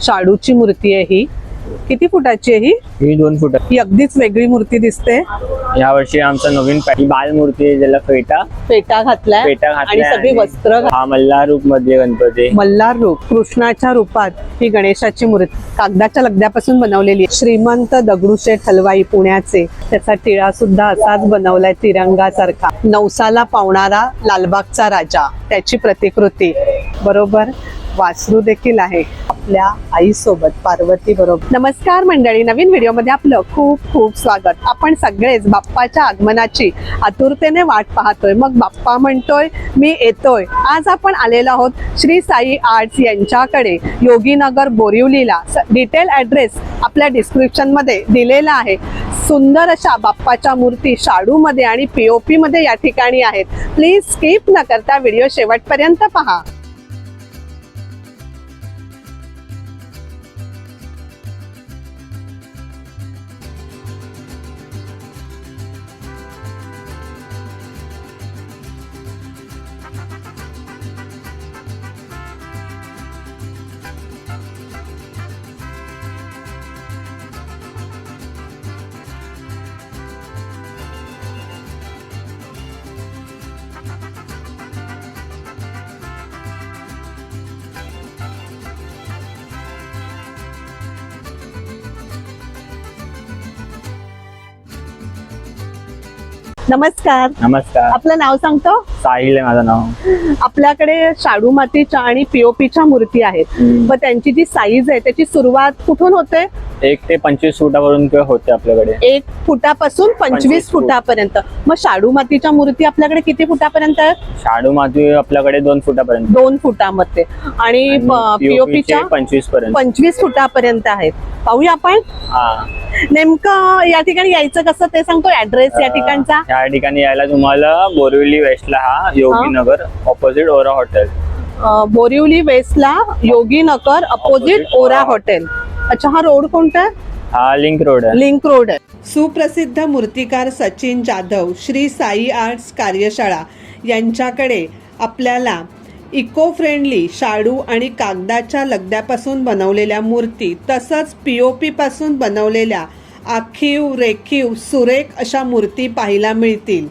शाडूची मूर्ती आहे ही. किती फुटाची आहे ही? ही 2 फूट. ही अगदीच वेगळी मूर्ती दिसते. या वर्षी आमचं नवीन बाल मूर्ती आहे, ज्याला फेटा घातलाय आणि सगळी वस्त्र हा मल्हार रूप मध्ये गणपती. मल्हार रूप कृष्णाच्या रूपात ही गणेशाची मूर्ती कागदाच्या लगद्यापासून बनवलेली आहे. श्रीमंत दगडूशेठ हलवाई पुण्याचे, त्याचा टिळा सुद्धा असाच बनवलाय तिरंगासारखा. नवसाला पावणारा लालबागचा राजा, त्याची प्रतिकृती. बरोबर वासरू देखील आहे आपल्या आई सोबत, पार्वती बरोबर. नमस्कार मंडळी, नवीन व्हिडिओ मध्ये आपलं खूप खूप स्वागत. आपण सगळेच बाप्पाच्या आगमनाची आतुरतेने वाट पाहतोय. मग बाप्पा म्हणतोय मी येतोय. आज आपण आलेलो आहोत श्री साई आर्ट्स यांच्याकडे, योगीनगर बोरिवलीला. डिटेल ॲड्रेस आपल्या डिस्क्रिप्शन मध्ये दिलेला आहे. सुंदर अशा बाप्पाच्या मूर्ती शाडू मध्ये आणि POP मध्ये या ठिकाणी आहेत. प्लीज स्किप न करता व्हिडिओ शेवटपर्यंत पहा. नमस्कार. नमस्कार. आपलं नाव सांगतो? साहिल आहे माझं नाव. आपल्याकडे शाडू मातीच्या आणि POPच्या मूर्ती आहेत. मग त्यांची जी साईज आहे त्याची सुरुवात कुठून होते? 1 ते 25 फुटापर्यंत होते आपल्याकडे. 1 फुटापासून 25 फुटापर्यंत. मग शाडू मातीच्या मूर्ती आपल्याकडे किती फुटापर्यंत आहेत? शाडू माती आपल्याकडे 2 फुटापर्यंत. 2 फुटामध्ये. आणि POPच्या 25 पर्यंत. 25 फुटापर्यंत आहेत. पाहूया आपण. नेमकं या ठिकाणी यायचं कसं ते सांगतो ऍड्रेस या ठिकाणचा? या ठिकाणी यायला तुम्हाला बोरिवली वेस्टला हा Yoginagar opposite Ora hotel. Borivali वेस्टला योगीनगर अपोजिट ओरा हॉटेल. अच्छा, हा रोड कोणता आहे? हा लिंक रोड आहे. लिंक रोड आहे. सुप्रसिद्ध मूर्तिकार सचिन जाधव श्री साई आर्ट्स कार्यशाळा यांच्याकडे आपल्याला इको फ्रेंडली शाडू आणि कागदाच्या लगद्यापासून बनवलेल्या मूर्ती, तसंच POP पासून बनवलेल्या आखीव रेखीव सुरेख अशा मूर्ती पाहायला मिळतील.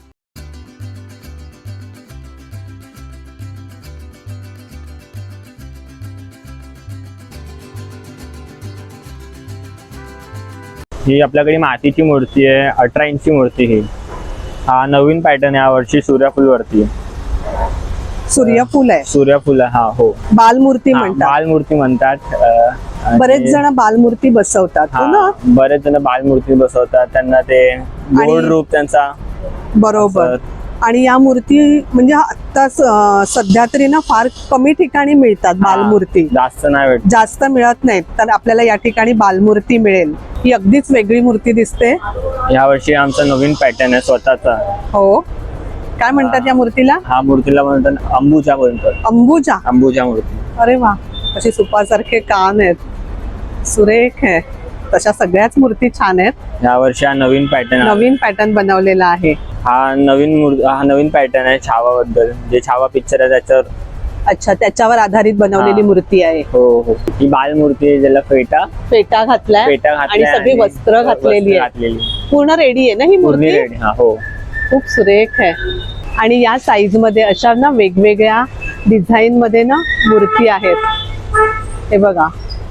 ही आपल्याकडे मातीची मूर्ती आहे. 18 इंची मूर्ती. ही हा नवीन पॅटर्न या वर्षी सूर्यफूल वरती. सूर्यफूल आहे. सूर्यफूल हा हो. बालमूर्ती म्हणतात. बालमूर्ती म्हणतात. बरेच जण बालमूर्ती बसवतात ना. बरेच जण बालमूर्ती बसवतात. त्यांना ते गोड रूप त्यांचा. बरोबर. आणि या मूर्ती म्हणजे आता सध्या तरी ना फार कमी ठिकाणी मिळतात बालमूर्ती. जास्त नाही भेटत. जास्त मिळत नाहीत. तर आपल्याला या ठिकाणी बालमूर्ती मिळेल. ही अगदीच वेगळी मूर्ती दिसते. या वर्षी आमचा नवीन पॅटर्न आहे स्वतःचा. हो. काय म्हणतात या मूर्तीला? हा मूर्तीला म्हणतात अंबुजा म्हणतात. अंबुजा. अंबुजा मूर्ती. अरे वा, अशी सुपासारखे कान आहेत, सुरेख आहे. तशा सगळ्याच मूर्ती छान आहेत. या वर्षी हा नवीन पॅटर्न बनवलेला आहे. हा नवीन पॅटर्न आहे छावा बद्दल. जे छावा पिक्चर आहे त्याच्यावर. अच्छा, त्याच्यावर आधारित बनवलेली मूर्ती आहे. हो हो. ही बाल मूर्ती आहे, ज्याला फेटा घातलाय आणि सगळी वस्त्र घातलेली आहे. पूर्ण रेडी आहे ना ही मूर्ती? हो. खूप सुरेख आहे. आणि या साईज मध्ये अशा ना वेगवेगळ्या डिझाईन मध्ये ना मूर्ती आहेत. हे बघा,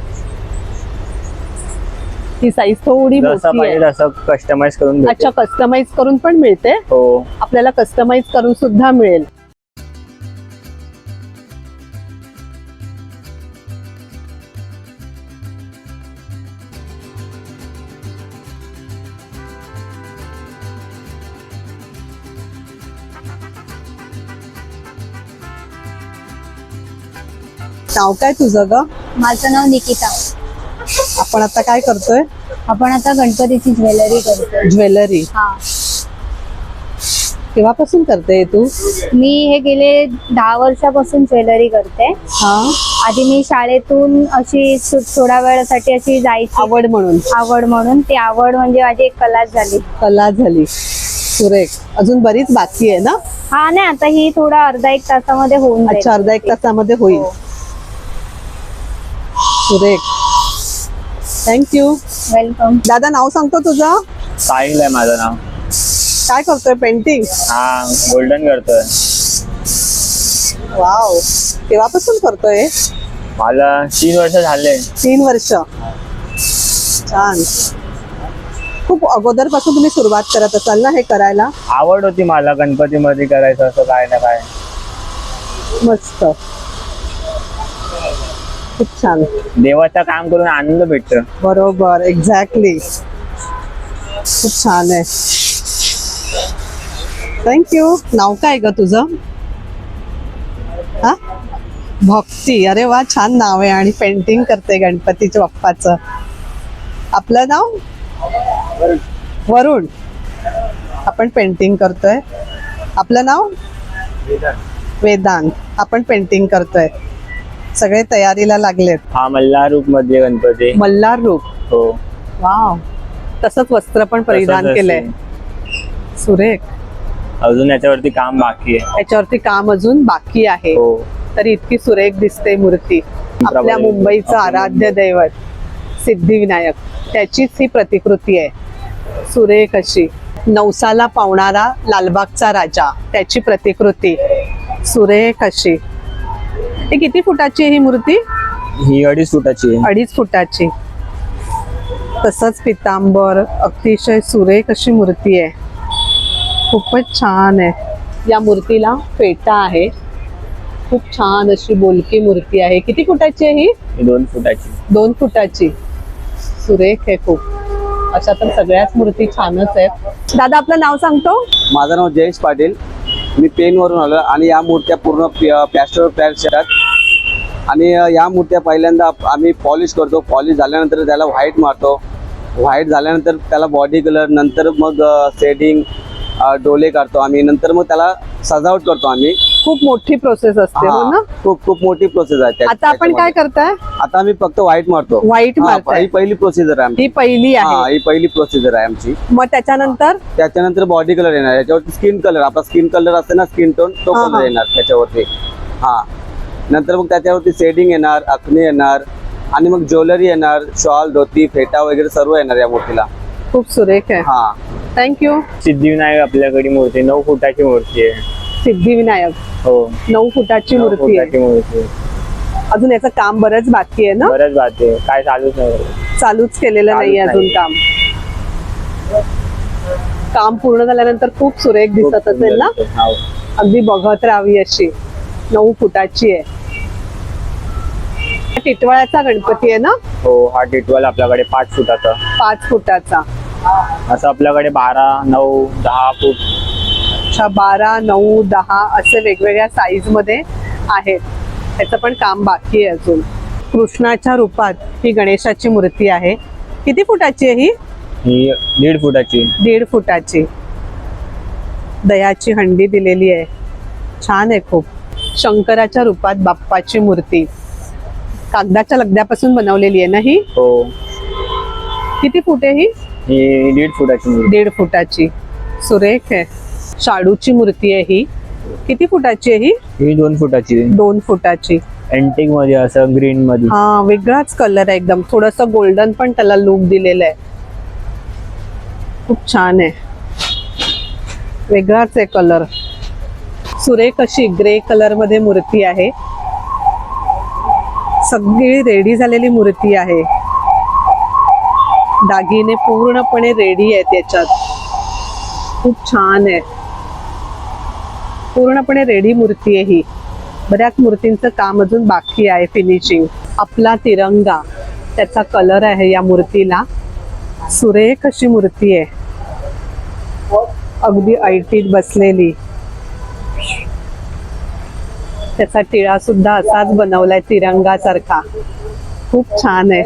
ही साईज थोडी मोठी आहे. असं कस्टमाइज करून. अच्छा, कस्टमाइज करून पण मिळते. हो. आपल्याला कस्टमाइज करून सुद्धा मिळेल. नाव काय तुझं ग? माझं नाव निकिता. आपण आता काय करतोय? आपण आता गणपतीची ज्वेलरी करतोय. ज्वेलरी? हा. केव्हापासून करते तू? मी हे गेले 10 वर्षापासून ज्वेलरी करते. हा. आधी मी शाळेतून अशी थोड्या वेळासाठी अशी जायची, आवड म्हणून. ती आवड म्हणजे माझी एक कला झाली. सुरेख. अजून बरीच बाकी आहे ना? हा, नाही आता ही थोडा अर्धा एक तासामध्ये होऊन जाईल. अच्छा, अर्धा एक तासामध्ये होईल. सुरेख. थँक्यू. वेलकम. दादा नाव सांगतो तुझं? साहिल आहे माझं नाव. काय करतोय? पेंटिंग. हा गोल्डन करतोय. वाव, केव्हापासून करतोय? मला 3 वर्ष झाले. 3 वर्ष. छान. खूप अगोदर पासून तुम्ही सुरुवात करत असाल ना हे करायला? आवड होती मला गणपतीमध्ये करायचं असं काय ना काय. मस्त, खूप छान. देवाचं काम करून आनंद भेटतो. बरोबर, एक्झॅक्टली. खूप छान आहे. थँक्यू. नाव काय ग तुझं? हा, भक्ती. अरे वा, छान नाव आहे. आणि पेंटिंग करते गणपतीच्या बाप्पाचं. आपलं नाव? वरुण. आपण पेंटिंग करतोय. आपलं नाव? वेदांत. आपण पेंटिंग करतोय. सगळे तयारीला लागलेत. हा मल्हार रूप मध्ये गणपती. मल्हार रूप. हो. वाव, तसंच वस्त्र पण परिधान तसंच केलंय. सुरेख. अजून याच्यावरती काम बाकी आहे. याच्यावरती काम अजून बाकी आहे. हो. तरी इतकी सुरेख दिसते मूर्ती. आपल्या मुंबईचं आराध्य दैवत सिद्धिविनायक, त्याचीच ही प्रतिकृती आहे. सुरेख अशी. नवसाला पावणारा लालबागचा राजा, त्याची प्रतिकृती. सुरेख अशी. ही किती फुटाची आहे ही मूर्ती? ही 2.5 फुटाची आहे. 2.5 फुटाची. तसंच पितांबर. अतिशय सुरेख अशी मूर्ती आहे. खूपच छान आहे. या मूर्तीला फेटा आहे. खूप छान अशी बोलकी मूर्ती आहे. किती फुटाची आहे ही? ही 2 फुटाची. 2 फुटाची. सुरेख आहे खूप. अशा तर सगळ्याच मूर्ती छानच आहेत. दादा आपलं नाव सांगतो? माझं नाव जयेश पाटील. मी पेनवरून आलो आणि या मूर्त्या पूर्ण प्लॅस्टर पॅच येतात आणि या मूर्त्या पहिल्यांदा आम्ही पॉलिश करतो. पॉलिश झाल्यानंतर त्याला व्हाईट मारतो. व्हाईट झाल्यानंतर त्याला बॉडी कलर, नंतर मग शेडिंग, डोले काढतो आम्ही. नंतर मग त्याला सजावट करतो आम्ही. खूप मोठी प्रोसेस असते हो ना? खूप मोठी प्रोसेस आहे. आता आपण काय करताय? आता आम्ही फक्त व्हाईट मारतो. व्हाईट मारताय. ही पहिली प्रोसिजर आहे आमची. ही पहिली आहे. ही पहिली प्रोसिजर आहे आमची. मग त्याच्यानंतर बॉडी कलर येणार. याच्यावरती स्किन कलर, आपला स्किन कलर असते ना, स्किन टोन, तो हा, कलर हा. येणार त्याच्यावरती. नंतर मग त्याच्यावरती शेडिंग येणार, अखने येणार आणि मग ज्वेलरी येणार, शॉल, धोती, फेटा वगैरे सर्व येणार या मूर्तीला. खूप सुरेख आहे. थँक्यू. सिद्धिविनायक आपल्याकडे मूर्ती 9 फुटाची मूर्ती आहे. सिद्धिविनायक. हो. 9 फुटाची 9 मूर्ती आहे. फुटाची मूर्ती. अजून याचं काम बरंच बाकी आहे ना? बरंच बाकी काय चालूच नाही. चालूच केलेलं नाही अजून काम. काम पूर्ण झाल्यानंतर खूप सुरेख दिसत असेल ना? हो. अगदी बघत राहावी अशी. 9 फुटाची आहे. टिटवाळ्याचा गणपती आहे ना? हो. हा टिटवाल आपल्याकडे 5 फुटाचा. 5 फुटाचा. असं आपल्याकडे 12, 9, 10 फूट. अच्छा, 12, 9, 10 असे वेगवेगळ्या साईज मध्ये आहेत. त्याचं पण काम बाकी आहे अजून. कृष्णाच्या रूपात ही गणेशाची मूर्ती आहे. किती फुटाची आहे ही? ही 1.5 फुटाची. 1.5 फुटाची. दयाची हंडी दिलेली आहे. छान आहे खूप. शंकराच्या रूपात बाप्पाची मूर्ती. कागदाच्या लगद्यापासून बनवलेली आहे ना ही? हो. किती फूट आहे ही? ही 1.5 फुटाची मूर्ती. 1.5 फुटाची. सुरेख आहे. शाडूची मूर्ती आहे ही. किती फुटाची आहे ही? ही 2 फुटाची. 2 फुटाची. एंटिक मध्ये असं ग्रीन मध्ये. हा, वेगळाच कलर आहे एकदम. थोडस गोल्डन पण त्याला लुक दिलेलं आहे. खूप छान आहे. वेगळाच आहे कलर. सुरेख अशी ग्रे कलर मध्ये मूर्ती आहे. सगळी रेडी झालेली मूर्ती आहे. दागिने पूर्णपणे रेडी आहेत याच्यात. खूप छान आहे. पूर्णपणे रेडी मूर्ती आहे ही. बऱ्याच मूर्तींचं काम अजून बाकी आहे फिनिशिंग. आपला तिरंगा, त्याचा कलर आहे या मूर्तीला. सुरेख अशी मूर्ती आहे. अगदी ऐटीत बसलेली. त्याचा टिळा सुद्धा असाच बनवलाय तिरंगासारखा. खूप छान आहे.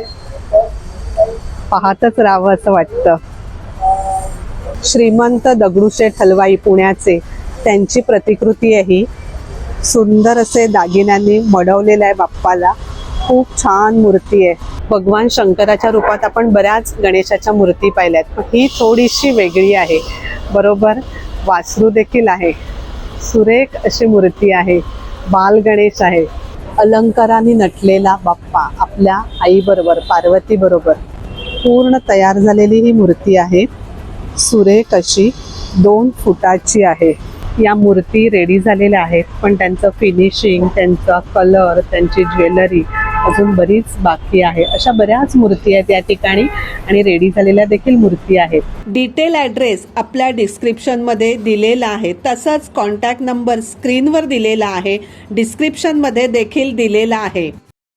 पाहतच राहावं असं वाटतं. श्रीमंत दगडूशेठ हलवाई पुण्याचे, त्यांची प्रतिकृती आहे ही. सुंदर असे दागिन्यांनी मडवलेलं आहे बाप्पाला. खूप छान मूर्ती आहे. भगवान शंकराच्या रूपात आपण बऱ्याच गणेशाच्या मूर्ती पाहिल्यात, पण ही थोडीशी वेगळी आहे. बरोबर, वासरू देखील आहे. सुरेख अशी मूर्ती आहे. बाल गणेश आहे. अलंकाराने नटलेला बाप्पा आपल्या आईबरोबर पार्वती बरोबर पूर्ण तयार झालेली ही मूर्ती आहे. सुरेख अशी 2 फुटाची आहे. या मूर्ती रेडी झालेल्या आहेत, पण त्यांचं फिनिशिंग, त्यांचा कलर, त्यांची ज्वेलरी अजून बरीच बाकी आहे. अशा बऱ्याच मूर्ती आहेत या ठिकाणी आणि रेडी झालेल्या देखील मूर्ती आहेत. डिटेल ॲड्रेस आपल्या डिस्क्रिप्शनमध्ये दिलेला आहे. तसंच कॉन्टॅक्ट नंबर स्क्रीनवर दिलेला आहे, डिस्क्रिप्शनमध्ये देखील दिलेला आहे.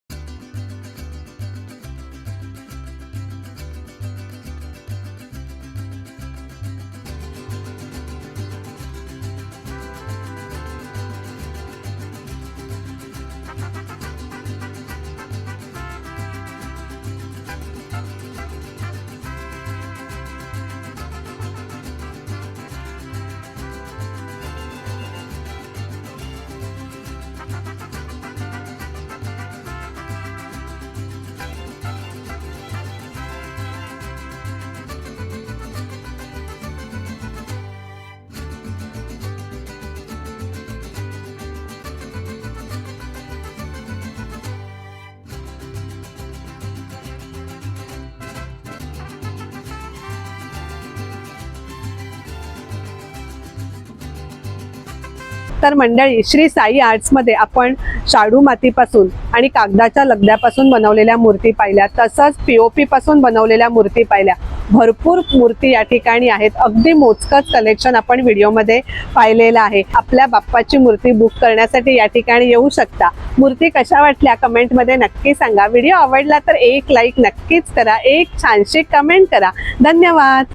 तर मंडळी, श्री साई आर्ट्समध्ये आपण शाडू मातीपासून आणि कागदाच्या लगद्यापासून बनवलेल्या मूर्ती पाहिल्या, तसंच POP पासून बनवलेल्या मूर्ती पाहिल्या. भरपूर मूर्ती या ठिकाणी आहेत. अगदी मोजकंच कलेक्शन आपण व्हिडिओमध्ये पाहिलेलं आहे. आपल्या बाप्पाची मूर्ती बुक करण्यासाठी या ठिकाणी येऊ शकता. मूर्ती कशा वाटल्या कमेंटमध्ये नक्की सांगा. व्हिडिओ आवडला तर एक लाईक नक्कीच करा, एक छानशी कमेंट करा. धन्यवाद.